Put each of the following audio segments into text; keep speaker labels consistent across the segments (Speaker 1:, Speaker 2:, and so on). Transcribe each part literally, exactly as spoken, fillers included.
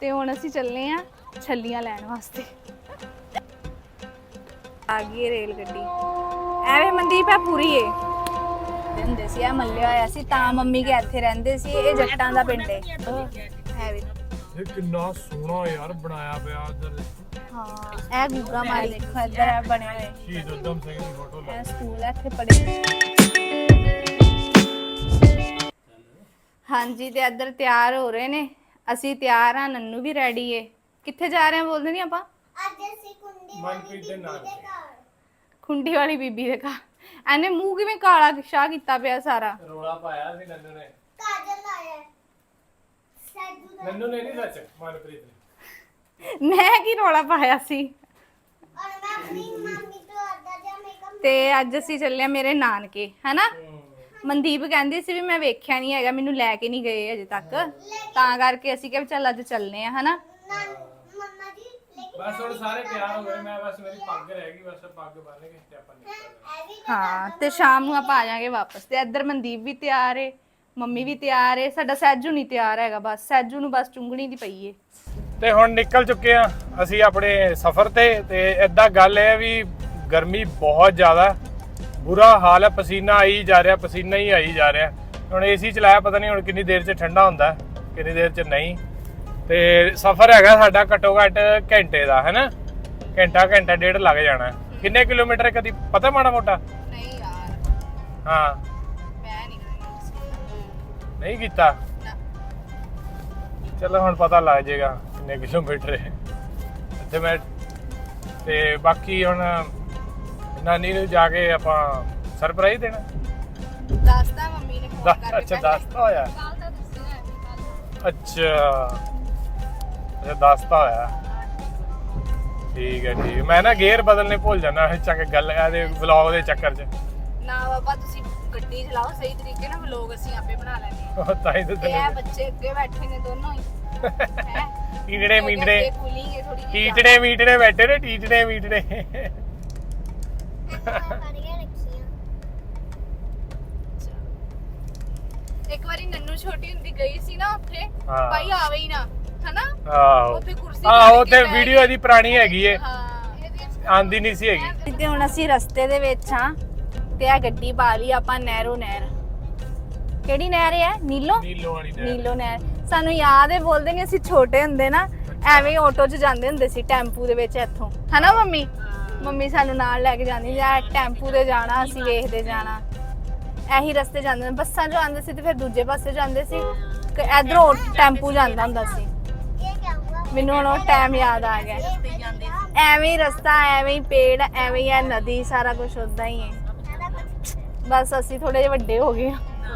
Speaker 1: ਤੇ ਹੁਣ ਅਸੀਂ ਚੱਲੇ ਆ ਛੱਲੀਆਂ ਲੈਣ ਵਾਸਤੇ। ਆ ਗਈ ਰੇਲ ਗੱਡੀ। ਐਵੇਂ ਮਨਦੀਪ ਹੈ ਪੂਰੀ ਏ ਹੁੰਦੇ ਸੀ ਆ ਮੱਲਿਆ ਹੋਇਆ ਸੀ ਤਾਂ ਮੰਮੀ ਕੇ ਇੱਥੇ ਰਹਿੰਦੇ ਸੀ। ਇਹ ਜੱਟਾਂ ਦਾ ਪਿੰਡ ਏ ਹੈ ਵੀ।
Speaker 2: ਇਹ ਕਿੰਨਾ ਸੋਹਣਾ ਯਾਰ ਬਣਾਇਆ ਪਿਆ ਇਧਰ।
Speaker 1: ਹਾਂ ਇਹ ਗੁੱਗਾ ਮਾਰੀ ਦੇਖੋ ਇੱਧਰ ਹੈ ਬਣੇ ਹੋਏ
Speaker 2: ਸ਼ਹੀਦ ਉਦਮ ਸਿੰਘ ਦੀ ਫੋਟੋ ਲਾ।
Speaker 1: ਇਹ ਸਕੂਲ ਹੈ ਇੱਥੇ ਪੜ੍ਹੇ। ਹਾਂਜੀ ਤੇ ਇੱਧਰ ਤਿਆਰ ਹੋ ਰਹੇ ਨੇ। ਅਸੀਂ ਤਿਆਰ ਆ, ਨੰਨੂ ਵੀ ਰੈਡੀ ਏ। ਕਿੱਥੇ ਜਾ ਰਹੇ ਆ ਬੋਲਦੇ ਨਹੀਂ ਆਪਾਂ?
Speaker 3: ਅੱਜ ਅਸੀਂ ਕੁੰਡੀ
Speaker 2: ਮਨਪ੍ਰੀਤ ਦੇ ਨਾਲ
Speaker 1: ਖੁੰਡੀ ਵਾਲੀ ਬੀਬੀ ਦੇ ਘਰ। ਐਨੇ ਮੂੰਹ ਕਿਵੇਂ ਕਾਲਾ ਸ਼ਾਹ ਕੀਤਾ ਪਿਆ ਸਾਰਾ।
Speaker 2: ਰੋਲਾ ਪਾਇਆ ਸੀ ਨੰਨੂ ਨੇ।
Speaker 3: ਕਾਜਲ ਲਾਇਆ ਸੈਜੂ ਦਾ
Speaker 2: ਨੰਨੂ ਨੇ ਨਹੀਂ ਸੱਚ ਮਨਪ੍ਰੀਤ ਨੇ।
Speaker 1: ਮੈਂ ਕੀ ਰੋਲਾ ਪਾਇਆ ਸੀ।
Speaker 3: ਔਰ ਮੈਂ ਆਪਣੀ ਮੰਮੀ ਤੋਂ ਅੱਧਾ ਜਿਹਾ ਮੇਕਅਪ
Speaker 1: ਤੇ ਅੱਜ ਅਸੀਂ ਚੱਲੇ ਆ ਮੇਰੇ ਨਾਨਕੇ ਹੈਨਾ। ਮਨਦੀਪ ਕਹਿੰਦੀ ਸੀ ਵੀ ਮੈਂ ਵੇਖਿਆ ਨਹੀਂ ਹੈਗਾ, ਮੈਨੂੰ ਲੈ ਕੇ ਨਹੀਂ ਗਏ ਅਜੇ ਤੱਕ, ਤਾਂ ਕਰਕੇ ਅਸੀਂ ਕਿਹਾ ਚੱਲ ਅੱਜ ਚੱਲਨੇ ਆ ਹੈਨਾ।
Speaker 3: ਮੰਮਾ ਜੀ ਲੇਕਿਨ
Speaker 2: ਬਸ ਹੁਣ ਸਾਰੇ ਤਿਆਰ ਹੋ ਗਏ। ਮੈਂ ਬਸ ਮੇਰੀ ਪੱਗ ਰਹਿ ਗਈ, ਬਸ ਪੱਗ ਬੰਨ ਕੇ ਤੇ ਆਪਾਂ ਨਿਕਲ
Speaker 3: ਇਹ ਵੀ
Speaker 1: ਹਾਂ ਤੇ ਸ਼ਾਮ ਨੂੰ ਆਪਾਂ ਆ ਜਾਾਂਗੇ ਵਾਪਸ। ਤੇ ਇੱਧਰ ਮਨਦੀਪ ਵੀ ਤਿਆਰ ਏ, ਮੰਮੀ ਵੀ ਤਿਆਰ ਏ, ਸਾਡਾ ਸੈਜੂ ਨਹੀਂ ਤਿਆਰ ਹੈਗਾ। ਬਸ ਸੈਜੂ ਨੂੰ ਬਸ ਚੁੰਗਣੀ ਦੀ ਪਈ ਏ।
Speaker 2: ਤੇ ਹੁਣ ਨਿਕਲ ਚੁੱਕੇ ਆ ਅਸੀਂ ਆਪਣੇ ਸਫ਼ਰ ਤੇ। ਤੇ ਇਦਾਂ ਗੱਲ ਹੈ ਵੀ ਗਰਮੀ ਬਹੁਤ ਜ਼ਿਆਦਾ, ਬੁਰਾ ਹਾਲ ਹੈ। ਪਸੀਨਾ ਆਈ ਜਾ ਰਿਹਾ, ਪਸੀਨਾ ਹੀ ਆਈ ਜਾ ਰਿਹਾ। ਹੁਣ ਏਸੀ ਚਲਾਇਆ, ਪਤਾ ਨਹੀਂ ਹੁਣ ਕਿੰਨੀ ਦੇਰ 'ਚ ਠੰਡਾ ਹੁੰਦਾ, ਕਿੰਨੀ ਦੇਰ 'ਚ ਨਹੀਂ। ਤੇ ਸਫ਼ਰ ਹੈਗਾ ਸਾਡਾ ਘੱਟੋ ਘੱਟ ਘੰਟੇ ਦਾ ਹੈਨਾ। ਘੰਟਾ ਘੰਟਾ ਡੇਢ ਲੱਗ ਜਾਣਾ। ਕਿੰਨੇ ਕਿਲੋਮੀਟਰ ਕਦੀ ਪਤਾ ਮਾੜਾ ਮੋਟਾ?
Speaker 1: ਨਹੀਂ ਯਾਰ
Speaker 2: ਹਾਂ
Speaker 1: ਮੈਂ ਨਹੀਂ
Speaker 2: ਨਹੀਂ ਕੀਤਾ। ਚਲੋ ਹੁਣ ਪਤਾ ਲੱਗ ਜਾਏਗਾ ਕਿੰਨੇ ਕਿਲੋਮੀਟਰ ਹੈ ਤੇ ਮੈਂ। ਤੇ ਬਾਕੀ ਹੁਣ ਨਾਨੀ ਨੂੰ ਜਾ ਕੇ ਆਪਾਂ ਸਰਪ੍ਰਾਈਜ਼ ਦੇਣਾ।
Speaker 1: ਦੱਸਦਾ ਮੰਮੀ ਨੇ ਫੋਨ ਕਰਕੇ।
Speaker 2: ਅੱਛਾ ਦੱਸਤਾ ਹੋਇਆ।
Speaker 1: ਕੱਲ ਤਾਂ ਦੱਸਿਆ ਹੈ ਕੱਲ।
Speaker 2: ਅੱਛਾ ਅੱਛਾ ਦੱਸਤਾ ਹੋਇਆ। ਠੀਕ ਹੈ ਠੀਕ ਹੈ। ਮੈਂ ਨਾ ਗੇਅਰ ਬਦਲਨੇ ਭੁੱਲ ਜਾਂਦਾ ਚੱਕ ਗੱਲ ਇਹਦੇ ਵਲੌਗ ਦੇ ਚੱਕਰ 'ਚ।
Speaker 1: ਨਾ ਬਾਬਾ ਤੁਸੀਂ ਗੱਡੀ ਚਲਾਓ ਸਹੀ ਤਰੀਕੇ ਨਾਲ, ਵਲੌਗ ਅਸੀਂ ਆਪੇ ਬਣਾ ਲੈਣੇ ਆ।
Speaker 2: ਤਾਂ ਹੀ ਤਾਂ
Speaker 1: ਇਹ ਬੱਚੇ ਅੱਗੇ ਬੈਠੇ ਨੇ ਦੋਨੋਂ ਹੀ ਹੈ।
Speaker 2: ਟੀਟੜੇ ਮੀਟੜੇ
Speaker 1: ਕੂਲਿੰਗ ਹੈ ਥੋੜੀ ਜਿਹੀ।
Speaker 2: ਟੀਟੜੇ ਮੀਟੜੇ ਬੈਠੇ ਨੇ, ਟੀਟੜੇ ਮੀਟੜੇ।
Speaker 3: ਫੜੀਆਂ ਰੱਖੀਆਂ।
Speaker 1: ਇੱਕ ਵਾਰੀ ਨੰਨੂ ਛੋਟੀ ਹੁੰਦੀ ਗਈ ਸੀ ਨਾ ਉੱਥੇ,
Speaker 2: ਹਾਂ।
Speaker 1: ਭਾਈ ਆਵੇ ਹੀ ਨਾ ਹਨਾ।
Speaker 2: ਆਹੋ
Speaker 1: ਉੱਥੇ ਕੁਰਸੀ
Speaker 2: ਆਹੋ ਤੇ ਵੀਡੀਓ ਇਹਦੀ ਪੁਰਾਣੀ ਹੈਗੀ ਏ,
Speaker 1: ਹਾਂ।
Speaker 2: ਆਂਦੀ ਨਹੀਂ ਸੀ ਹੈਗੀ।
Speaker 1: ਤੇ ਹੁਣ ਅਸੀਂ ਰਸਤੇ ਦੇ ਵਿੱਚ ਆ ਤੇ ਆ ਗੱਡੀ ਪਾ ਲਈ ਆਪਾਂ ਨਹਿਰੋ ਨਹਿਰ। ਕਿਹੜੀ ਨਹਿਰ ਹੈ? ਨੀਲੋ
Speaker 2: ਨੀਲੋ ਵਾਲੀ ਨਹਿਰ।
Speaker 1: ਨੀਲੋ ਨਹਿਰ। ਸਾਨੂੰ ਯਾਦ ਹੈ, ਬੋਲਦੇ ਨੇ ਅਸੀਂ ਛੋਟੇ ਹੁੰਦੇ ਨਾ ਐਵੇਂ ਆਟੋ 'ਚ ਜਾਂਦੇ ਹੁੰਦੇ ਸੀ, ਟੈਂਪੂ ਦੇ ਵਿੱਚ ਇੱਥੋਂ ਹਨਾ ਮੰਮੀ। ਮੰਮੀ ਸਾਨੂੰ ਨਾਲ ਲੈ ਕੇ ਜਾਂਦੀ ਜਾਂ ਟੈਂਪੂ ਤੇ ਜਾਣਾ, ਅਸੀਂ ਵੇਖਦੇ ਜਾਣਾ। ਇਹੀ ਰਸਤੇ ਜਾਂਦੇ ਨੇ। ਬੱਸਾਂ 'ਚ ਆਉਂਦੇ ਸੀ ਤੇ ਫਿਰ ਦੂਜੇ ਪਾਸੇ ਜਾਂਦੇ ਸੀ। ਇਧਰੋਂ ਟੈਂਪੂ ਜਾਂਦਾ ਹੁੰਦਾ ਸੀ।
Speaker 3: ਇਹ ਕੀ ਹੁਆ?
Speaker 1: ਮੈਨੂੰ ਹੁਣ ਉਹ ਟਾਈਮ ਯਾਦ ਆ ਗਿਆ। ਐਵੇਂ ਹੀ ਰਸਤਾ, ਐਵੇਂ ਹੀ ਪੇੜ, ਐਵੇਂ ਹੀ ਹੈ ਨਦੀ, ਸਾਰਾ ਕੁਝ ਉਦਾਂ ਹੀ ਹੈ। ਬਸ ਅਸੀਂ ਥੋੜੇ ਜਿਹੇ ਵੱਡੇ ਹੋ ਗਏ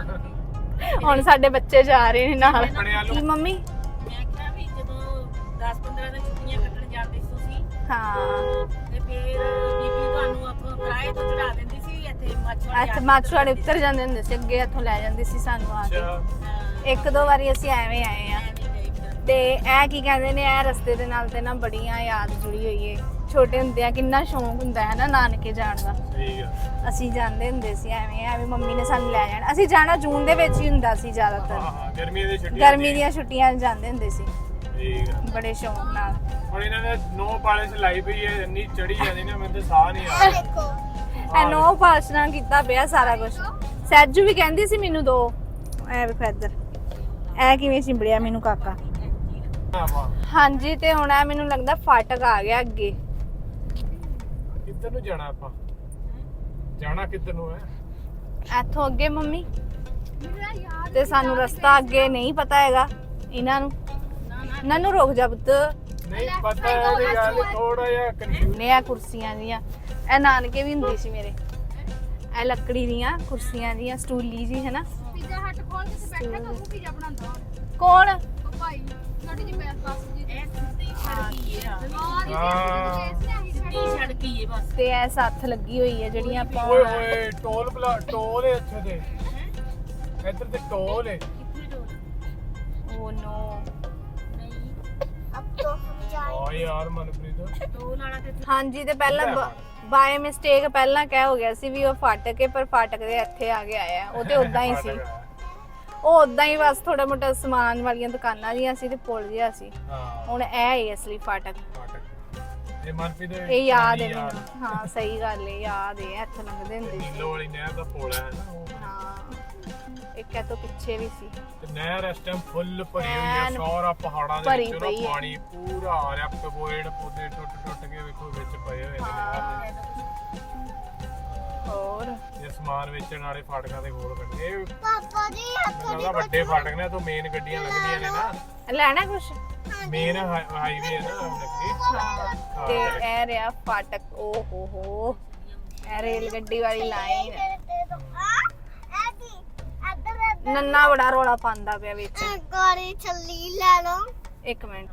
Speaker 1: ਹੁਣ ਸਾਡੇ ਬੱਚੇ ਜਾ ਰਹੇ ਨੇ ਨਾਲ। ਕੀ ਮੰਮੀ?
Speaker 4: ਮੈਂ ਕਿਹਾ ਵੀ ਜਦੋਂ ਦਸ ਪੰਦਰਾਂ ਦਿਨ ਛੁੱਟੀਆਂ ਕੱਟਣ ਜਾਂਦੇ ਸੀ ਤੁਸੀਂ
Speaker 1: ਹਾਂ
Speaker 4: ਤੇ ਫਿਰ ਬੀਬੀ ਤੁਹਾਨੂੰ ਆਪਾਂ ਕਿਰਾਏ ਤੋਂ ਚੜਾ ਦਿੰਦੀ ਸੀ ਇੱਥੇ ਮਾਛਵਾੜੇ।
Speaker 1: ਇੱਥੇ ਮਾਛਵਾੜੇ ਉੱਤਰ ਜਾਂਦੇ ਹੁੰਦੇ ਸੀ, ਅੱਗੇ ਇੱਥੋਂ ਲੈ ਜਾਂਦੀ ਸੀ ਸਾਨੂੰ ਆ ਕੇ। ਇੱਕ ਦੋ ਵਾਰੀ ਅਸੀਂ ਐਵੇਂ ਆਏ ਆ। ਤੇ ਇਹ ਕੀ ਕਹਿੰਦੇ ਨੇ, ਇਹ ਰਸਤੇ ਦੇ ਨਾਲ ਤੇ ਨਾ ਬੜੀਆਂ ਯਾਦ ਜੁੜੀ ਹੋਈ ਏ। ਛੋਟੇ ਹੁੰਦੇ ਆ ਕਿੰਨਾ ਸ਼ੌਂਕ ਹੁੰਦਾ ਹੈ ਨਾ ਨਾਨਕੇ ਜਾਣ ਦਾ।
Speaker 2: ਠੀਕ ਆ।
Speaker 1: ਅਸੀਂ ਜਾਂਦੇ ਹੁੰਦੇ ਸੀ ਐਵੇਂ ਐਵੇਂ, ਮੰਮੀ ਨੇ ਸਾਨੂੰ ਲੈ ਜਾਣਾ। ਅਸੀਂ ਜਾਣਾ ਜੂਨ ਦੇ ਵਿੱਚ ਹੀ ਹੁੰਦਾ ਸੀ ਜ਼ਿਆਦਾਤਰ।
Speaker 2: ਹਾਂ ਹਾਂ ਗਰਮੀਆਂ ਦੀ ਛੁੱਟੀਆਂ।
Speaker 1: ਗਰਮੀ ਦੀਆਂ ਛੁੱਟੀਆਂ ਜਾਂਦੇ ਹੁੰਦੇ ਸੀ
Speaker 2: ਠੀਕ ਆ।
Speaker 1: ਬੜੇ ਸ਼ੌਂਕ ਨਾਲ।
Speaker 2: ਹੁਣ ਇਹਨਾਂ ਨੇ ਨੋ ਪਾਲਿਸ਼ ਲਾਈ ਪਈ ਹੈ, ਇੰਨੀ ਚੜੀ ਜਾਂਦੀ ਨਾ ਮੈਨੂੰ ਤਾਂ ਸਾਹ ਨਹੀਂ ਆ ਰਿਹਾ।
Speaker 3: ਦੇਖੋ
Speaker 1: ਐਨੋ ਪਾਲਸ਼ਨਾ ਕੀਤਾ ਪਿਆ ਸਾਰਾ ਕੁਝ। ਸੈਜੂ ਵੀ ਕਹਿੰਦੀ ਸੀ ਮੈਨੂੰ ਦੋ। ਐ ਵੇਖੋ ਇੱਧਰ ਐ ਕਿਵੇਂ ਚਿੰਬੜਿਆ ਮੈਨੂੰ ਕਾਕਾ। ਹਾਂਜੀ ਤੇ ਹੁਣ ਐ ਮੈਨੂੰ ਲੱਗਦਾ ਫਾਟਕ ਆ ਗਿਆ ਅੱਗੇ।
Speaker 2: ਕਿੱਧਰ ਨੂੰ ਜਾਣਾ ਆਪਾਂ? ਜਾਣਾ ਕਿੱਧਰ ਨੂੰ ਹੈ?
Speaker 1: ਇੱਥੋਂ ਅੱਗੇ ਮੰਮੀ। ਤੇ ਸਾਨੂੰ ਰਸਤਾ ਅੱਗੇ ਨਹੀਂ ਪਤਾ ਹੈਗਾ ਇਹਨਾਂ ਨੂੰ। ਨੰਨੂ ਰੁਕ ਜਾ ਪੁੱਤ।
Speaker 2: ਨਹੀਂ ਪਤਾ ਇਹਦੀ ਗੱਲ ਥੋੜਾ ਜਿਹਾ ਕਨਫਿਊਜ਼।
Speaker 1: ਨੇ ਆ ਕੁਰਸੀਆਂ ਦੀਆਂ, ਇਹ ਨਾਨਕੇ ਵੀ ਹੁੰਦੀ ਸੀ ਮੇਰੇ। ਇਹ ਲੱਕੜੀ ਦੀਆਂ ਕੁਰਸੀਆਂ ਦੀਆਂ, ਸਟੂਲੀ ਜੀ ਹੈ ਨਾ।
Speaker 5: ਪੀਜ਼ਾ ਹੱਟ ਖੋਲ ਕੇ ਤੇ ਬੈਠਾ ਕੋ ਪੀਜ਼ਾ ਬਣਾਉਂਦਾ
Speaker 1: ਕੌਣ?
Speaker 5: ਉਹ ਭਾਈ ਸਾਡੀ ਜੀ ਮੈਂ ਪਾਸ ਜੀ
Speaker 4: ਇਹ ਸਿੱਧੀ ਸੜਕੀ ਹੈ
Speaker 2: ਹਾਂ
Speaker 4: ਸਿੱਧੀ ਸੜਕੀ ਹੈ ਬਸ।
Speaker 1: ਤੇ ਐ ਸੱਥ ਲੱਗੀ ਹੋਈ ਹੈ ਜਿਹੜੀਆਂ ਆਪਾਂ।
Speaker 2: ਓਏ ਹੋਏ ਟੋਲ ਪਲਾ ਟੋਲ ਹੈ ਇੱਥੇ ਤੇ। ਇੱਧਰ ਤੇ ਟੋਲ ਹੈ।
Speaker 1: ਓ ਨੋ।
Speaker 3: ਅਬ ਤੋਂ ਹਮ ਜਾਏ।
Speaker 2: ਆ ਯਾਰ ਮਨਪ੍ਰੀਤ
Speaker 4: ਟੋਲ ਵਾਲਾ ਤੇ
Speaker 1: ਹਾਂਜੀ ਤੇ ਪਹਿਲਾਂ ਬਾਏ ਮਿਸਟੇਕ ਪਹਿਲਾਂ ਕਹਿ ਹੋ ਗਿਆ ਸੀ ਵੀ ਉਹ ਫਾਟਕ ਹੈ, ਪਰ ਫਾਟਕ ਦੇ ਇੱਥੇ ਆ ਕੇ ਆਇਆ। ਉਹ ਤੇ ਉਦਾਂ ਹੀ ਸੀ। ਉਹ ਉਦਾਂ ਹੀ ਬਸ ਥੋੜਾ ਮੋਟਾ ਸਮਾਨ ਵਾਲੀਆਂ ਦੁਕਾਨਾਂ ਜੀਆਂ ਸੀ ਤੇ ਪੁੱਲ ਜਿਹਾ ਸੀ।
Speaker 2: ਹਾਂ
Speaker 1: ਹੁਣ ਇਹ ਹੈ ਅਸਲੀ ਫਾਟਕ।
Speaker 2: ਫਾਟਕ ਇਹ ਮਨਪ੍ਰੀਤ ਦੇ
Speaker 1: ਇਹ ਯਾਦ ਹੈ ਮੈਨੂੰ। ਹਾਂ ਸਹੀ ਗੱਲ ਹੈ, ਯਾਦ ਹੈ, ਇੱਥੇ ਲੰਘਦੇ ਹੁੰਦੇ ਸੀ।
Speaker 2: ਨੀਲੋ ਵਾਲੀ ਨਹਿਰ ਦਾ ਪੁਲ ਹੈ ਨਾ ਉਹ।
Speaker 1: ਹਾਂ ਇੱਕ ਇਹ ਤੋਂ ਪਿੱਛੇ ਵੀ ਸੀ।
Speaker 2: ਤੇ ਨਹਿਰ ਇਸ ਟਾਈਮ ਫੁੱਲ ਭਰੀ ਹੋਈ ਹੈ,
Speaker 1: ਐਨ
Speaker 2: ਸਾਰਾ ਪਹਾੜਾਂ ਦੇ
Speaker 1: ਭਰੀ
Speaker 2: ਵਿੱਚੋਂ
Speaker 1: ਪਈ
Speaker 2: ਨਾ
Speaker 1: ਹੈ।
Speaker 2: ਪਾਣੀ ਪੂਰਾ ਆ ਰਿਹਾ, ਪੇੜ ਪੌਦੇ ਟੁੱਟ ਟੁੱਟ ਕੇ ਵੇਖੋ ਵਿੱਚ ਪਏ ਹੋਏ ਨੇ ਨਹਿਰ ਦੇ।
Speaker 1: ਹੋਰ
Speaker 2: ਇਹ ਸਮਾਨ ਵੇਚਣ ਵਾਲੇ ਫਾਟਕਾਂ ਦੇ ਕੋਲ ਕੱਢੇ ਇਹ
Speaker 3: ਪਾਪਾ ਜੀ ਹੱਥੋਂ
Speaker 2: ਮਤਲਬ ਵੱਡੇ ਫਾਟਕ ਨੇ ਤੋਂ ਮੇਨ ਗੱਡੀਆਂ ਲੱਗਦੀਆਂ ਨੇ ਨਾ,
Speaker 1: ਲੈਣਾ ਕੁਛ?
Speaker 2: ਮੇਨ ਹਾਈਵੇ ਹੈ ਨਾ ਲੱਗੇ।
Speaker 1: ਹਾਂ ਤੇ ਇਹ ਰਿਹਾ ਫਾਟਕ। ਓ ਹੋ ਹੋ ਇਹ ਰੇਲ ਗੱਡੀ ਵਾਲੀ ਲਾਈਨ।
Speaker 3: ਆ ਕੀ ਇੱਧਰ
Speaker 1: ਨੰਨਾ ਬੜਾ ਰੋਲਾ ਪਾਉਂਦਾ ਪਿਆ ਵਿੱਚ।
Speaker 3: ਗਾੜੀ ਚੱਲੀ ਲੈ ਲਓ।
Speaker 1: ਇੱਕ ਮਿੰਟ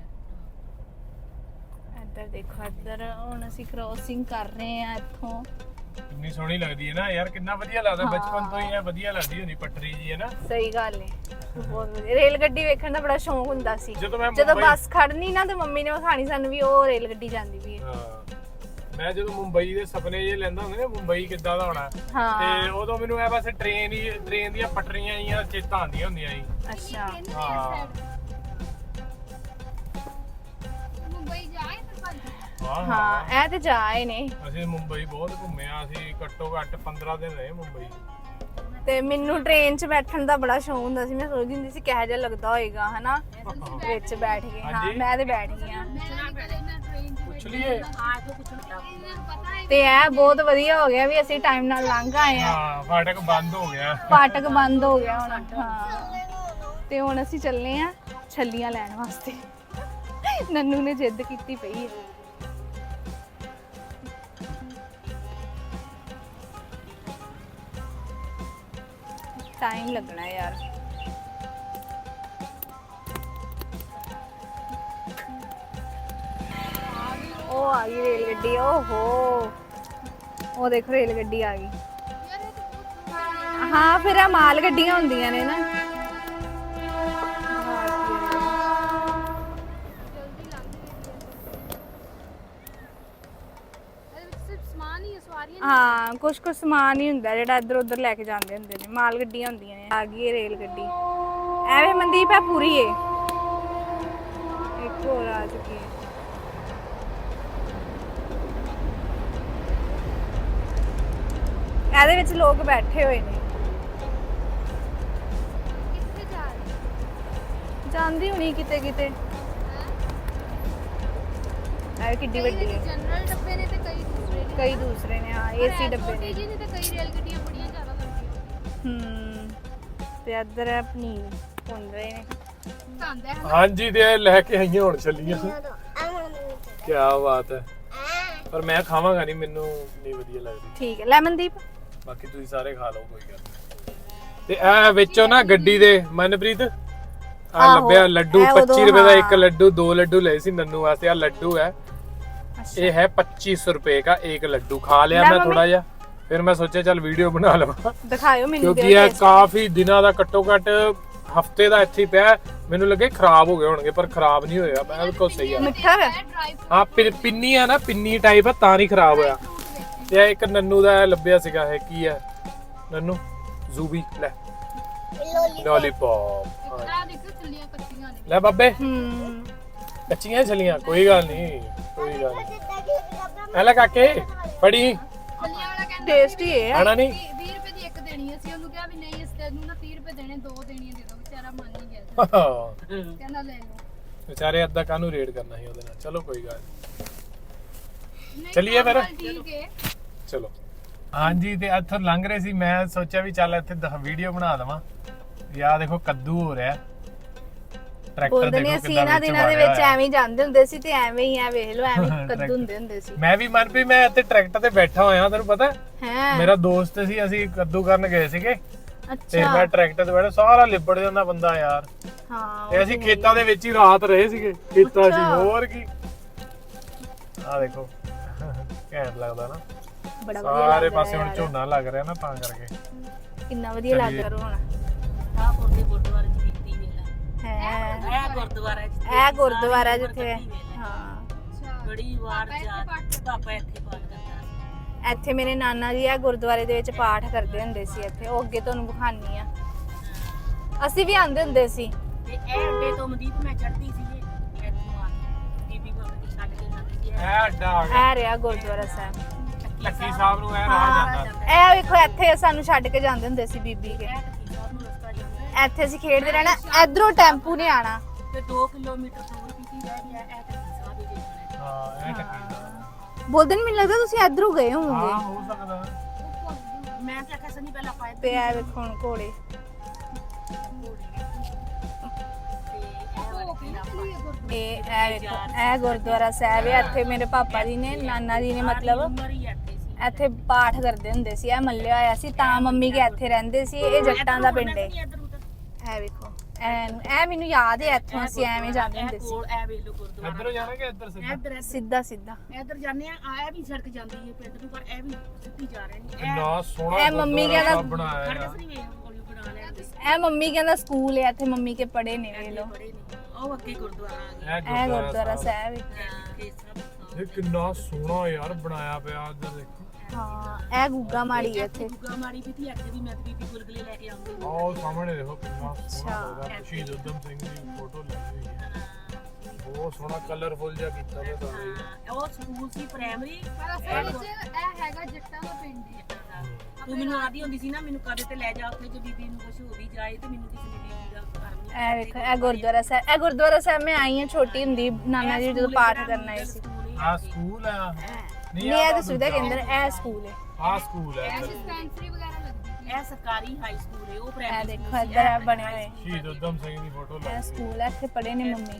Speaker 1: ਇੱਧਰ ਦੇਖੋ, ਇੱਧਰ ਹੁਣ ਅਸੀਂ ਕ੍ਰੋਸਿੰਗ ਕਰ ਰਹੇ ਆ ਇੱਥੋਂ।
Speaker 2: ਕਿੰਨੀ ਸੋਹਣੀ ਲੱਗਦੀ ਹੈ ਨਾ ਯਾਰ, ਕਿੰਨਾ ਵਧੀਆ ਲੱਗਦਾ। ਬਚਪਨ ਤੋਂ ਹੀ ਇਹ ਵਧੀਆ ਲੱਗਦੀ ਹੁੰਦੀ ਪਟਰੀ ਜੀ ਹੈ ਨਾ।
Speaker 1: ਸਹੀ ਗੱਲ ਹੈ, ਬਹੁਤ ਵਧੀਆ। ਰੇਲ ਗੱਡੀ ਵੇਖਣ ਦਾ ਬੜਾ ਸ਼ੌਂਕ ਹੁੰਦਾ ਸੀ।
Speaker 2: ਜਦੋਂ ਮੈਂ
Speaker 1: ਜਦੋਂ
Speaker 2: ਮੁੰਬਈ-
Speaker 1: ਬੱਸ ਖੜਨੀ ਨਾ ਤੇ ਮੰਮੀ ਨੇ ਵਿਖਾਣੀ ਸਾਨੂੰ ਵੀ ਉਹ ਰੇਲ ਗੱਡੀ ਜਾਂਦੀ ਵੀ ਹੈ।
Speaker 2: ਹਾਂ ਮੈਂ ਜਦੋਂ ਮੁੰਬਈ ਦੇ ਸੁਪਨੇ ਜੇ ਲੈਂਦਾ ਹੁੰਦਾ ਨਾ ਮੁੰਬਈ ਕਿੱਦਾਂ ਦਾ ਹੋਣਾ,
Speaker 1: ਹਾਂ
Speaker 2: ਤੇ ਉਦੋਂ ਮੈਨੂੰ ਇਹ ਬਸ ਟ੍ਰੇਨ ਹੀ ਟ੍ਰੇਨ ਦੀਆਂ ਪਟਰੀਆਂ ਹੀ ਚੇਤਾ ਆਉਂਦੀਆਂ ਹੁੰਦੀਆਂ ਸੀ।
Speaker 1: ਅੱਛਾ
Speaker 2: ਹਾਂ
Speaker 5: ਮੁੰਬਈ ਜਾਏ ਫਿਰ ਭਾਜੀ।
Speaker 2: ਹਾਂ
Speaker 1: ਹਾਂ ਇਹ ਤੇ ਜਾ ਆਏ ਨੇ।
Speaker 2: ਅਸੀਂ ਮੁੰਬਈ ਬਹੁਤ ਘੁੰਮੇ ਆ, ਅਸੀਂ ਘੱਟੋ ਘੱਟ ਪੰਦਰਾਂ ਦਿਨ ਰਹੇ ਮੁੰਬਈ।
Speaker 1: ਤੇ ਮੈਨੂੰ ਟ੍ਰੇਨ 'ਚ ਬੈਠਣ ਦਾ ਬੜਾ ਸ਼ੌਂਕ ਹੁੰਦਾ ਸੀ। ਮੈਂ ਸੋਚਦੀ ਹੁੰਦੀ ਸੀ ਕਿਹੋ ਜਿਹਾ ਲੱਗਦਾ ਹੋਏਗਾ ਹਨਾ ਵਿੱਚ ਬੈਠ ਕੇ। ਹਾਂ
Speaker 2: ਹਾਂਜੀ।
Speaker 1: ਮੈਂ ਤੇ ਬੈਠ ਗਈ ਹਾਂ।
Speaker 5: ਮੈਂ ਕਦੇ ਨਾ ਟ੍ਰੇਨ 'ਚ
Speaker 2: ਪੁੱਛ ਲਈਏ।
Speaker 4: ਆ ਕੇ ਪੁੱਛਣ ਲੱਗਾ
Speaker 5: ਇਹਨਾਂ ਨੂੰ ਪਤਾ ਹੈ
Speaker 1: ਤੇ ਇਹ ਬਹੁਤ ਵਧੀਆ ਹੋ ਗਿਆ ਵੀ ਅਸੀਂ ਟਾਈਮ ਨਾਲ ਲੰਘ ਆਏ ਆ।
Speaker 2: ਹਾਂ ਫਾਟਕ ਬੰਦ ਹੋ ਗਿਆ।
Speaker 1: ਫਾਟਕ ਬੰਦ ਹੋ ਗਿਆ ਹੁਣ। ਹਾਂ ਤੇ ਹੁਣ ਅਸੀਂ ਚੱਲੇ ਆ ਛੱਲੀਆਂ ਲੈਣ ਵਾਸਤੇ। ਨੰਨੂ ਨੇ ਜਿੱਦ ਕੀਤੀ ਪਈ ਹੈ। ਟਾਈਮ ਲੱਗਣਾ ਯਾਰ। ਉਹ ਆ ਗਈ ਰੇਲ ਗੱਡੀ। ਓਹੋ ਉਹ ਦੇਖੋ ਰੇਲ ਗੱਡੀ ਆ ਗਈ।
Speaker 5: ਯਾਰ ਇਹ ਤਾਂ ਬਹੁਤ ਸੋਹਣਾ
Speaker 1: ਹਾਂ ਫਿਰ ਆ ਮਾਲ ਗੱਡੀਆਂ ਹੁੰਦੀਆਂ ਨੇ ਨਾ।
Speaker 5: ਜਲਦੀ ਲੰਘ ਗਈ। ਇਹਦੇ ਵਿੱਚ ਸਿਰਫ ਸਮਾਨ ਹੀ ਹੈ, ਸਵਾਰੀਆਂ ਨਹੀਂ।
Speaker 1: ਹਾਂ ਕੁਛ ਕੁਛ ਸਮਾਨ ਹੀ ਹੁੰਦਾ ਜਿਹੜਾ ਇੱਧਰ ਉੱਧਰ ਲੈ ਕੇ ਜਾਂਦੇ ਹੁੰਦੇ ਨੇ। ਮਾਲ ਗੱਡੀਆਂ ਹੁੰਦੀਆਂ ਨੇ। ਆ ਗਈ ਇਹ ਰੇਲ ਗੱਡੀ। ਐਵੇਂ ਮਨਦੀਪ ਹੈ ਪੂਰੀ ਏ। ਇੱਕ ਹੋਰ ਆ ਚੁੱਕੀ ਹੈ। ਇਹਦੇ ਵਿੱਚ ਲੋਕ ਬੈਠੇ ਹੋਏ ਨੇ।
Speaker 5: ਕਿੱਥੇ ਜਾ ਰਹੇ
Speaker 1: ਜਾਂਦੀ ਹੁਣੀ ਕਿਤੇ ਕਿਤੇ। ਐ ਕਿੱਡੀ ਵੱਡੀ ਹੈ।
Speaker 5: ਜਨਰਲ ਡੱਬੇ ਨੇ ਤੇ ਕਈ ਦੂਸਰੇ ਨੇ।
Speaker 1: ਕਈ ਦੂਸਰੇ ਨੇ। ਹਾਂ ਏਸੀ ਡੱਬੇ
Speaker 5: ਛੋਟੀ
Speaker 1: ਨੇ।
Speaker 5: ਜਿਹੀ ਨੇ ਤੇ ਕਈ ਰੇਲ ਗੱਡੀਆਂ ਬੜੀਆਂ ਜ਼ਿਆਦਾ ਲੰਬੀਆਂ।
Speaker 1: ਹੂੰ ਤੇ ਇੱਧਰ ਹੈ ਪਨੀਰ ਭੁੰਨ ਰਹੇ ਨੇ।
Speaker 5: ਖਾਂਦਾ ਹੈ
Speaker 2: ਹਾਂਜੀ ਤੇ ਇਹ ਲੈ ਕੇ ਆਈਆਂ ਹੁਣ ਚੱਲੀਆਂ। ਕੀ ਬਾਤ ਹੈ। ਪਰ ਮੈਂ ਖਾਵਾਂਗਾ ਨਹੀਂ, ਮੈਨੂੰ ਨਹੀਂ ਵਧੀਆ ਲੱਗਦੀ।
Speaker 1: ਠੀਕ ਹੈ ਲੈਮਨਦੀਪ।
Speaker 2: ਬਾਕੀ ਤੁਸੀਂ ਸਾਰੇ ਖਾ ਲਓ ਕੋਈ ਗੱਲ ਨਹੀਂ। ਤੇ ਇਹ ਵਿੱਚੋਂ ਨਾ ਗੱਡੀ ਦੇ ਮਨਪ੍ਰੀਤ ਆ
Speaker 1: ਆਹੋ,
Speaker 2: ਲੱਭਿਆ ਲੱਡੂ।
Speaker 1: ਇਹ ਉਦੋਂ
Speaker 2: ਪੱਚੀ ਰੁਪਏ ਦਾ ਇੱਕ
Speaker 1: ਹਾਂ।
Speaker 2: ਲੱਡੂ, ਦੋ ਲੱਡੂ ਲਏ ਸੀ ਨੰਨੂ ਵਾਸਤੇ। ਆ ਲੱਡੂ ਹੈ,
Speaker 1: ਅੱਛਾ
Speaker 2: ये है पच्चीस रुपए का एक लड्डू। खा लिया
Speaker 1: ਲੈ
Speaker 2: मैं
Speaker 1: ਮੰਮੀ।
Speaker 2: थोड़ा जा, फिर मैं सोचा चल वीडियो बना लवा
Speaker 1: ਦਿਖਾਇਓ ਮੈਨੂੰ।
Speaker 2: क्योंकि ये काफी दिनों ਦਾ ਘੱਟੋ ਘੱਟ ਹਫਤੇ ਦਾ ਇੱਥੇ ਪਿਆ। ਮੈਨੂੰ ਲੱਗੇ ਖਰਾਬ ਹੋ ਗਏ ਹੋਣਗੇ, ਪਰ ਖਰਾਬ ਨਹੀਂ ਹੋਇਆ, ਬਿਲਕੁਲ ਸਹੀ ਆ।
Speaker 1: ਮਿੱਠਾ ਹੈ।
Speaker 5: ਡਰਾਈ
Speaker 2: ਹਾਂ ਪਿ- ਪਿੰਨੀ ਆ ਨਾ, ਪਿੰਨੀ ਟਾਈਪ ਆ, ਤਾਂ ਨਹੀਂ ਖਰਾਬ ਹੋਇਆ। ਤੇ ਇਹ ਇੱਕ ਨੰਨੂ ਦਾ ਲੱਭਿਆ ਸੀਗਾ। ਇਹ ਕੀ ਹੈ ਨੰਨੂ? ਜ਼ੂਬੀ ਲੈ ਲੋਲੀਪੌਪ।
Speaker 5: ਆ ਦੇਖੋ ਚੱਲੀਆਂ ਕੱਚੀਆਂ ਨੇ।
Speaker 2: ਲੈ ਬਾਬੇ
Speaker 1: ਹੂੰ
Speaker 2: ਕੱਚੀਆਂ ਛਲੀਆਂ, ਕੋਈ ਗੱਲ ਨਹੀਂ ਕੋਈ ਗੱਲ ਨਹੀਂ। ਲੈ ਕਾਕੇ ਫੜੀ।
Speaker 5: ਚੱਲੀਆਂ ਵਾਲਾ ਕਹਿੰਦਾ
Speaker 1: ਟੇਸਟੀ ਹੈ।
Speaker 2: ਆਣਾ ਨਹੀਂ
Speaker 5: ਵੀਹ ਰੁਪਏ ਦੀ ਇੱਕ ਦੇਣੀ ਹੈ। ਅਸੀਂ ਉਹਨੂੰ ਕਿਹਾ ਵੀ ਨਹੀਂ, ਇਸ ਤੈਨੂੰ ਨਾ ਤੀਹ ਰੁਪਏ ਦੇਣੇ, ਦੋ ਦੇਣੀਆਂ ਦੇ ਦੋ। ਵਿਚਾਰਾ ਮੰਨ ਹੀ ਗਿਆ ਸੀ। ਕਹਿੰਦਾ ਲੈ ਲਓ।
Speaker 2: ਵਿਚਾਰੇ ਅੱਧਾ ਕਾਹਨੂੰ ਰੇਡ ਕਰਨਾ ਸੀ ਉਹਦੇ ਨਾਲ। ਚਲੋ ਕੋਈ ਗੱਲ
Speaker 5: ਨਹੀਂ,
Speaker 2: ਚੱਲੀਏ ਫਿਰ।
Speaker 5: ਚੱਲ ਠੀਕ ਹੈ।
Speaker 2: ਚਲੋ ਹਾਂਜੀ। ਤੇ ਇੱਥੋਂ ਲੰਘ ਰਹੇ ਸੀ, ਮੈਂ ਸੋਚਿਆ ਵੀ ਚੱਲ ਇੱਥੇ ਵੀਡੀਓ ਬਣਾ ਦਵਾਂ। ਯਾ ਦੇਖੋ ਕੱਦੂ ਹੋ ਰਿਹਾ। ਟਰੈਕਟਰ
Speaker 1: ਬੋਲਦੇ ਨੇ
Speaker 2: ਦੇਖੋ
Speaker 1: ਅਸੀਂ
Speaker 2: ਕਿੰਨਾ
Speaker 1: ਇਹਨਾਂ
Speaker 2: ਵਿੱਚ
Speaker 1: ਦਿਨਾਂ ਦੇ
Speaker 2: ਵਾੜਿਆ
Speaker 1: ਵਿੱਚ
Speaker 2: ਹੋਇਆ।
Speaker 1: ਐਵੇਂ ਹੀ ਜਾਂਦੇ ਹੁੰਦੇ ਸੀ ਤੇ ਐਵੇਂ ਹੀ ਆ ਵੇਖ ਲਓ ਐਵੇਂ ਹੀ ਕੱਦੂ
Speaker 2: ਟਰੈਕਟਰ।
Speaker 1: ਹੁੰਦੇ ਹੁੰਦੇ ਸੀ।
Speaker 2: ਮੈਂ ਵੀ ਮਨ ਵੀ ਮੈਂ ਇੱਥੇ ਟਰੈਕਟਰ ਤੇ ਬੈਠਾ ਹੋਇਆ, ਤੈਨੂੰ ਪਤਾ
Speaker 1: ਹੈ
Speaker 2: ਮੇਰਾ ਦੋਸਤ ਸੀ, ਅਸੀਂ ਕੱਦੂ ਕਰਨ ਗਏ ਸੀਗੇ। ਤੇ
Speaker 1: ਅੱਛਾ
Speaker 2: ਮੈਂ ਟਰੈਕਟਰ ਤੇ ਬੈਠਾ, ਸਾਰਾ ਲਿਬੜ ਜਾਂਦਾ ਬੰਦਾ ਯਾਰ।
Speaker 1: ਹਾਂ
Speaker 2: ਤੇ ਅਸੀਂ ਖੇਤਾਂ ਦੇ ਵਿੱਚ ਹੀ ਰਾਤ ਰਹੇ ਸੀਗੇ। ਖੇਤਾਂ 'ਚ
Speaker 1: ਅੱਛਾ।
Speaker 2: ਹੋਰ ਕੀ। ਆਹ ਦੇਖੋ ਘੈਂਟ ਲੱਗਦਾ ਨਾ।
Speaker 1: ਬੜਾ ਵਧੀਆ
Speaker 2: ਸਾਰੇ
Speaker 1: ਲੱਗਦਾ
Speaker 2: ਪਾਸੇ ਹੁਣ
Speaker 1: ਯਾਰ।
Speaker 2: ਝੋਨਾ ਲੱਗ ਰਿਹਾ ਨਾ, ਤਾਂ ਕਰਕੇ।
Speaker 1: ਕਿੰਨਾ ਵਧੀਆ ਲੱਗ
Speaker 2: ਚੱਲੀਏ।
Speaker 1: ਰਿਹਾ ਹੁਣ।
Speaker 4: ਆ ਪੁਰਦੇ ਗੁਰਦੁਆਰੇ ਚ ਕੀਤੀ ਵੇਲਾ।
Speaker 1: ਹੈ
Speaker 4: ਇਹ ਗੁਰਦੁਆਰਾ ਜਿੱਥੇ
Speaker 1: ਇਹ ਗੁਰਦੁਆਰਾ ਜਿੱਥੇ
Speaker 4: ਕੀਤੀ ਵੇਲਾ।
Speaker 1: ਹਾਂ
Speaker 5: ਅੱਛਾ
Speaker 4: ਬੜੀ ਵਾਰ
Speaker 5: ਪਾਪਾ ਇੱਥੇ
Speaker 4: ਜਾ
Speaker 5: ਪਾਠ
Speaker 4: ਪਾਪਾ ਇੱਥੇ ਪਾਠ ਕਰਦਾ ਸੀ।
Speaker 1: ਇੱਥੇ ਮੇਰੇ ਨਾਨਾ ਜੀ ਆ ਗੁਰਦੁਆਰੇ ਦੇ ਵਿੱਚ ਪਾਠ ਕਰਦੇ ਹੁੰਦੇ ਸੀ ਇੱਥੇ। ਉਹ ਅੱਗੇ ਤੁਹਾਨੂੰ ਵਿਖਾਨੀ ਆ। ਅਸੀਂ ਵੀ ਆਂਦੇ ਹੁੰਦੇ ਸੀ।
Speaker 4: ਤੇ ਇਹ ਅੱਡੇ ਤੋਂ ਮਨਦੀਪ ਮੈਂ ਚੜਦੀ ਸੀ ਇਹ ਇੱਥੋਂ ਆ ਕੇ ਬੀਬੀ ਕੋਲ ਕੇ ਛੱਡ ਕੇ ਜਾਂਦੀ ਸੀ ਇਹ
Speaker 2: ਇਹ ਅੱਡਾ ਆ ਗਿਆ
Speaker 1: ਇਹ ਰਿਹਾ ਗੁਰਦੁਆਰਾ ਸਾਹਿਬ।
Speaker 2: ਲੱਕੀ ਸਾਹਿਬ ਨੂੰ ਇਹ ਰਾਹ ਜਾਂਦਾ।
Speaker 1: ਇਹ ਵੇਖੋ ਇੱਥੇ ਸਾਨੂੰ ਛੱਡ ਕੇ ਜਾਂਦੇ ਹੁੰਦੇ ਸੀ ਬੀਬੀ ਕੇ।
Speaker 4: ਇਹ ਟੱਕੀ ਸਾਹਿਬ ਨੂੰ ਰਸਤਾ ਜਾਂਦਾ
Speaker 1: ਇੱਥੇ ਅਸੀਂ ਖੇਡਦੇ ਰਹਿਣਾ, ਇਧਰੋਂ ਟੈਂਪੂ ਨੇ ਆਣਾ।
Speaker 4: ਤੇ ਦੋ ਕਿਲੋਮੀਟਰ ਦੂਰ ਕਿਤੇ ਰਹਿ ਗਿਆ ਇਹ ਟੱਕੀ ਸਾਹਿਬ ਹੀ ਦੇਖਣਾ
Speaker 2: ਹਾਂ ਇਹ ਟੱਕੀ ਦਾ
Speaker 1: ਬੋਲਦੇ ਨਹੀਂ, ਮੈਨੂੰ ਲੱਗਦਾ ਤੁਸੀਂ ਇਧਰੋਂ ਗਏ
Speaker 2: ਹਾਂ
Speaker 1: ਹੋਵੋਗੇ।
Speaker 2: ਹੋ ਸਕਦਾ।
Speaker 4: ਮੈਂ ਤਾਂ ਆਖਿਆ ਸਨੀ ਪਹਿਲਾਂ ਪਾਇਆ
Speaker 1: ਤੇ ਇਹ ਵੇਖੋ ਹੁਣ ਘੋੜੇ। ਇਹ ਇਹ ਵੇਖੋ ਇਹ ਗੁਰਦੁਆਰਾ ਸਾਹਿਬ ਹੈ। ਇੱਥੇ ਮੇਰੇ ਪਾਪਾ ਜੀ ਨੇ, ਨਾਨਾ ਜੀ ਨੇ ਮਤਲਬ ਇੱਥੇ ਪਾਠ ਕਰਦੇ ਹੁੰਦੇ ਸੀ। ਇਹ ਮੱਲਿਆ ਹੋਇਆ ਸੀ ਤਾਂ ਮੰਮੀ ਕੇ ਇੱਥੇ ਰਹਿੰਦੇ ਸੀ। ਇਹ ਜੱਟਾਂ ਦਾ ਪਿੰਡ ਹੈ। ਇਹ ਵੇਖੋ ਐਨ ਇਹ ਮੈਨੂੰ ਯਾਦ ਹੈ, ਇੱਥੋਂ ਅਸੀਂ ਐਵੇਂ ਜਾਂਦੇ ਹੁੰਦੇ ਸੀ।
Speaker 4: ਕੋਲ ਐ ਵੇਖ ਲੋ ਗੁਰਦੁਆਰਾ
Speaker 2: ਇੱਧਰੋਂ ਜਾਣਾ ਕਿ ਇੱਧਰ ਸਿੱਧਾ?
Speaker 4: ਇੱਧਰ
Speaker 1: ਸਿੱਧਾ ਸਿੱਧਾ।
Speaker 4: ਇੱਧਰ ਜਾਂਦੇ ਆ ਆ ਵੀ ਸੜਕ ਜਾਂਦੀ ਹੈ ਪਿੰਡ ਨੂੰ, ਪਰ ਇਹ ਵੀ ਸਿੱਧੀ ਜਾ ਰਹੇ ਨੇ
Speaker 2: ਕਿੰਨਾ ਸੋਹਣਾ
Speaker 1: ਇਹ ਮੰਮੀ
Speaker 2: ਗੁਰਦੁਆਰਾ
Speaker 1: ਕਹਿੰਦਾ-
Speaker 2: ਸਾਹਿਬ ਬਣਾਇਆ
Speaker 4: ਖੜਕ
Speaker 2: ਆ।
Speaker 4: ਨਹੀਂ ਵੇਖ ਕੋਲ ਬਣਾ ਲਿਆ ਤੇ
Speaker 1: ਇਹ ਮੰਮੀ ਕਹਿੰਦਾ ਸਕੂਲ ਹੈ ਇੱਥੇ, ਮੰਮੀ ਕੇ ਪੜੇ ਨੇ ਵੇ ਲੋ।
Speaker 4: ਬੜੇ ਨੇ ਉਹ ਅੱਗੇ ਗੁਰਦੁਆਰਾ ਆ ਗਿਆ
Speaker 1: ਇਹ ਗੁਰਦੁਆਰਾ ਸਾਹਿਬ ਹੈ।
Speaker 4: ਇਹ ਸਭ
Speaker 2: ਇਹ ਕਿੰਨਾ ਸੋਹਣਾ ਯਾਰ ਬਣਾਇਆ ਪਿਆ ਇੱਧਰ ਦੇਖੋ।
Speaker 1: ਹਾਂ ਇਹ ਗੁੱਗਾ ਮਾੜੀ ਹੈ ਇੱਥੇ।
Speaker 4: ਗੁੱਗਾ ਮਾੜੀ ਵੀ ਤੀ ਇੱਥੇ ਵੀ ਮੈਂ ਤੇ ਬੀਬੀ ਗੁਲਗੁਲੇ ਲੈ ਕੇ ਆਉਂਦੀ
Speaker 2: ਆਹ ਉਹ ਸਾਹਮਣੇ ਦੇਖੋ ਕਿੰਨਾ ਸੋਹਣਾ
Speaker 1: ਅੱਛਾ।
Speaker 2: ਹੋਗਾ। ਸ਼ਹੀਦ ਊਧਮ ਸਿੰਘ ਦੀ ਫੋਟੋ ਲੱਗੀ ਹੋਈ ਹੈ। ਬਹੁਤ ਸੋਹਣਾ ਕਲਰਫੁਲ ਜਿਹਾ ਕੀਤਾ ਹੋਇਆ ਸਾਰੇ।
Speaker 4: ਹਾਂ ਉਹ ਸਕੂਲ ਸੀ ਪ੍ਰਾਇਮਰੀ
Speaker 5: ਪਰ ਅਸਲ ਵਿੱਚ ਇਹ ਹੈਗਾ ਜੱਟਾਂ ਦਾ ਪਿੰਡ ਹੀ
Speaker 4: ਤੂੰ ਮੈਨੂੰ ਆਦੀ ਹੁੰਦੀ ਸੀ ਨਾ ਮੈਨੂੰ ਕਦੇ ਤੇ ਲੈ ਜਾ ਉੱਥੇ ਜੇ ਬੀਬੀ ਨੂੰ ਕੁਝ ਹੋ ਵੀ ਜਾਏ ਤੇ ਮੈਨੂੰ ਕਿਸੇ ਨੇ ਬੀਬੀ ਦਾ ਕਰਨੀ
Speaker 1: ਇਹ ਵੇਖੋ ਇਹ ਗੁਰਦੁਆਰਾ ਸਾਹਿਬ। ਇਹ ਗੁਰਦੁਆਰਾ ਸਾਹਿਬ ਮੈਂ ਆਈ ਹਾਂ ਛੋਟੀ ਹੁੰਦੀ, ਨਾਨਾ ਜੀ ਜਦੋਂ ਪਾਠ ਕਰਨ ਆਏ ਸੀ।
Speaker 2: ਆਹ ਸਕੂਲ ਆ।
Speaker 1: ਨਹੀਂ ਇਹ ਤਾਂ ਸੁਵਿਧਾ ਕੇਂਦਰ, ਇਹ ਸਕੂਲ ਹੈ।
Speaker 2: ਆਹ ਸਕੂਲ ਹੈ ਇੱਧਰ।
Speaker 5: ਡਿਸਪੈਂਸਰੀ ਵਗੈਰਾ ਲੱਗਦੀ
Speaker 4: ਇਹ ਸਰਕਾਰੀ ਹਾਈ ਸਕੂਲ ਹੈ ਉਹ
Speaker 1: ਇਹ
Speaker 4: ਪ੍ਰਾਇਮਰੀ
Speaker 1: ਦੇਖੋ ਇੱਧਰ ਇਹ ਬਣੇ ਹੋਏ।
Speaker 2: ਸ਼ਹੀਦ ਊਧਮ ਸਿੰਘ ਦੀ ਫੋਟੋ
Speaker 1: ਇਹ
Speaker 2: ਲੱਗੀ ਹੋਈ
Speaker 1: ਸਕੂਲ ਹੈ, ਇੱਥੇ ਪੜੇ ਨੇ ਮੰਮੀ।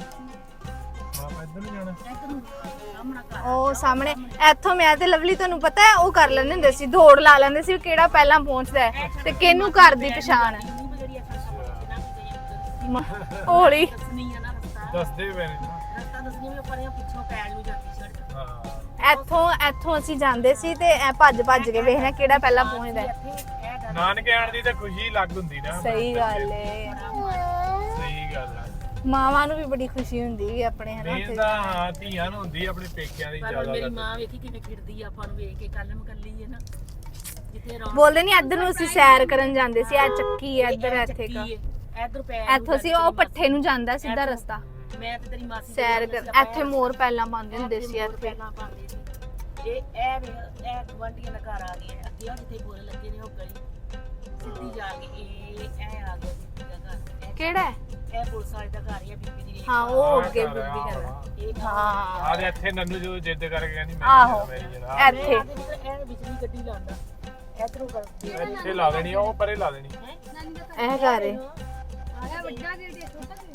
Speaker 2: ਹੈ। ਆਪਾਂ ਇੱਧਰ ਨਹੀਂ ਜਾਣਾ।
Speaker 4: ਇੱਧਰ ਨੂੰ ਸਾਹਮਣਾ ਘਰ
Speaker 1: ਉਹ ਸਾਹਮਣੇ ਇੱਥੋਂ ਮੈਂ ਤੇ ਲਵਲੀ ਤੁਹਾਨੂੰ ਪਤਾ ਹੈ ਉਹ ਕਰ ਲੈਂਦੇ ਹੁੰਦੇ ਸੀ, ਦੌੜ ਲਾ ਲੈਂਦੇ ਸੀ ਵੀ ਕਿਹੜਾ ਪਹਿਲਾਂ ਪਹੁੰਚਦਾ ਹੈ ਤੇ ਕਿਹਨੂੰ ਘਰ ਦੀ ਪਛਾਣ ਹੈ।
Speaker 4: ਨਹੀਂ ਜਿਹੜੀ ਅਸਾਂ ਸਭ ਨਾ ਕਿ
Speaker 1: ਮ- ਹੌਲੀ
Speaker 4: ਦੱਸਣੀ ਆ ਨਾ ਰਸਤਾ
Speaker 2: ਦੱਸਦੇ ਪਏ ਨੇ ਨਾ।
Speaker 4: ਰਸਤਾ ਦੱਸਣੀ ਵੀ ਪਰੇ ਪਿੱਛੋਂ ਪੈਣ ਨੂੰ ਜਾਂਦੀ ਸੜਕ
Speaker 2: ਹਾਂ
Speaker 1: ਇੱਥੋਂ ਇੱਥੋਂ ਅਸੀਂ ਜਾਂਦੇ ਸੀ ਤੇ ਐ ਭੱਜ ਭੱਜ ਕੇ ਵੇਖਣਾ ਕਿਹੜਾ ਪਹਿਲਾਂ ਪਹੁੰਚਦਾ ਹੈ।
Speaker 4: ਇੱਥੇ ਇਹ ਗੱਲ
Speaker 2: ਨਾਨਕੇ ਆਣ ਦੀ ਤਾਂ ਖੁਸ਼ੀ ਲੱਗ ਹੁੰਦੀ ਨਾ।
Speaker 1: ਸਹੀ ਗੱਲ ਏ।
Speaker 2: ਸਹੀ ਗੱਲ ਆ।
Speaker 1: ਮਾਵਾਂ ਨੂੰ ਵੀ ਬੜੀ ਖੁਸ਼ੀ ਹੁੰਦੀ ਹੈ ਆਪਣੇ ਹਨਾ
Speaker 2: ਨਹੀਂ
Speaker 1: ਉੱਥੇ।
Speaker 2: ਤਾਂ ਹਾਂ ਧੀਆਂ ਨੂੰ ਹੁੰਦੀ ਆ ਆਪਣੇ ਪੇਕਿਆਂ ਦੀ
Speaker 4: ਪਰ
Speaker 2: ਜ਼ਿਆਦਾ
Speaker 4: ਮੇਰੀ
Speaker 2: ਗੱਲ।
Speaker 4: ਮਾਂ ਵੇਖੀ ਕਿਵੇਂ ਖਿੜਦੀ ਆ ਆਪਾਂ ਨੂੰ ਵੇਖ ਕੇ ਕੱਲ ਮਕੱਲੀ ਹੈ ਨਾ ਜਿੱਥੇ ਰੌਣਕ
Speaker 1: ਬੋਲਦੇ ਨਹੀਂ ਇੱਧਰ ਨੂੰ ਅਸੀਂ ਸੈਰ ਕਰਨ ਜਾਂਦੇ ਸੀ। ਇਹ ਚੱਕੀ ਹੈ ਇੱਧਰ, ਇੱਥੇ
Speaker 4: ਚੱਕੀ
Speaker 1: ਕਾ
Speaker 4: ਹੈ। ਇੱਧਰ ਪੈ
Speaker 1: ਇੱਥੋਂ ਸੀ ਉਹ ਪੱਠੇ ਨੂੰ ਜਾਂਦਾ ਸਿੱਧਾ ਰਸਤਾ
Speaker 4: ਮੈਂ ਤੇ ਤੇਰੀ ਮਾਸੀ
Speaker 1: ਸੈਰ ਕਰ। ਇੱਥੇ ਮੋਰ ਪਹਿਲਾਂ ਪਾਉਂਦੇ ਹੁੰਦੇ ਸੀ ਇੱਥੇ।
Speaker 4: ਪਹਿਲਾਂ ਪਾਉਂਦੇ ਸੀ ਇਹ ਇਹ ਵੇਖ, ਇਹ ਗਵਾਂਢੀਆਂ ਦਾ ਘਰ ਆ ਗਿਆ ਅੱਗੇ ਉਹ ਜਿੱਥੇ ਬੋਰੇ ਲੱਗੇ ਨੇ ਉਹ ਗਲੀ ਸਿੱਧੀ ਜਾ ਕੇ ਇਹ ਇਹ ਆ ਗਿਆ ਬੀਬੀ ਦਾ ਘਰ ਇਹ-
Speaker 1: ਕਿਹੜਾ ਹੈ?
Speaker 4: ਇਹ ਪੁਲਿਸ ਵਾਲੇ ਦਾ ਘਰ ਹੀ ਆ ਬੀਬੀ ਦੀ
Speaker 1: ਹਾਂ ਉਹ ਅੱਗੇ ਬੁੱਢੀ ਕਰਦਾ।
Speaker 4: ਇਹ ਘਰ
Speaker 1: ਹਾਂ
Speaker 2: ਆਹ ਇੱਥੇ ਨੰਨੂ ਜੋ ਜਿੱਦ ਕਰਕੇ ਕਹਿੰਦੀ ਮੈਂ
Speaker 1: ਆਹੋ।
Speaker 2: ਮੇਰੀ ਜਨਾਬ
Speaker 1: ਇੱਥੇ
Speaker 4: ਇਹ ਬਿਜਲੀ ਗੱਡੀ ਲਾਉਂਦਾ ਇਧਰੋਂ ਕਰ
Speaker 2: ਇੱਥੇ ਲਾ ਦੇਣੀ ਆ, ਉਹ ਪਰੇ ਲਾ ਦੇਣੀ।
Speaker 5: ਨਾਨੀ ਦਾ
Speaker 1: ਇਹ ਘਰ ਹੈ।
Speaker 5: ਇਹ ਵੱਡਾ ਗੇਟ ਹੈ ਛੋਟਾ ਗੇਟ